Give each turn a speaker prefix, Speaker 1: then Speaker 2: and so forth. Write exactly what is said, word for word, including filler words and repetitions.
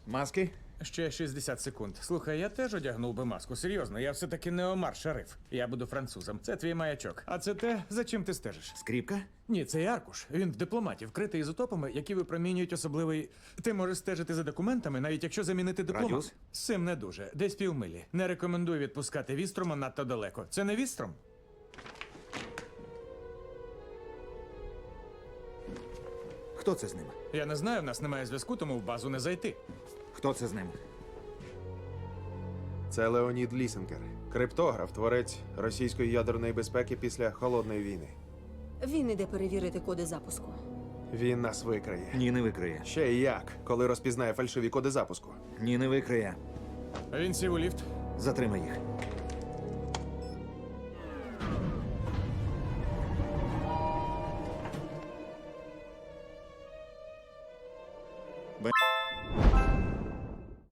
Speaker 1: Маски?
Speaker 2: Ще шістдесят секунд. Слухай, я теж одягнув би маску. Серйозно, я все-таки не Омар Шариф. Я буду французом. Це твій маячок. А це те, за чим ти стежиш.
Speaker 1: Скріпка?
Speaker 2: Ні, це аркуш. Він в дипломаті, вкритий ізотопами, які випромінюють особливий. Ти можеш стежити за документами, навіть якщо замінити дипломат.
Speaker 1: Радіус?
Speaker 2: З цим не дуже. Десь півмилі. Не рекомендую відпускати вістрома надто далеко. Це не вістром?
Speaker 1: Хто це з ним?
Speaker 2: Я не знаю, в нас немає зв'язку, тому в базу не зайти.
Speaker 1: Хто це з ним?
Speaker 3: Це Леонід Лісенкер, криптограф, творець російської ядерної безпеки після холодної війни.
Speaker 4: Він іде перевірити коди запуску.
Speaker 3: Він нас викриє.
Speaker 1: Ні, не викриє.
Speaker 3: Ще й як, коли розпізнає фальшиві коди запуску.
Speaker 1: Ні, не викриє.
Speaker 2: Він сів у ліфт.
Speaker 1: Затримай їх.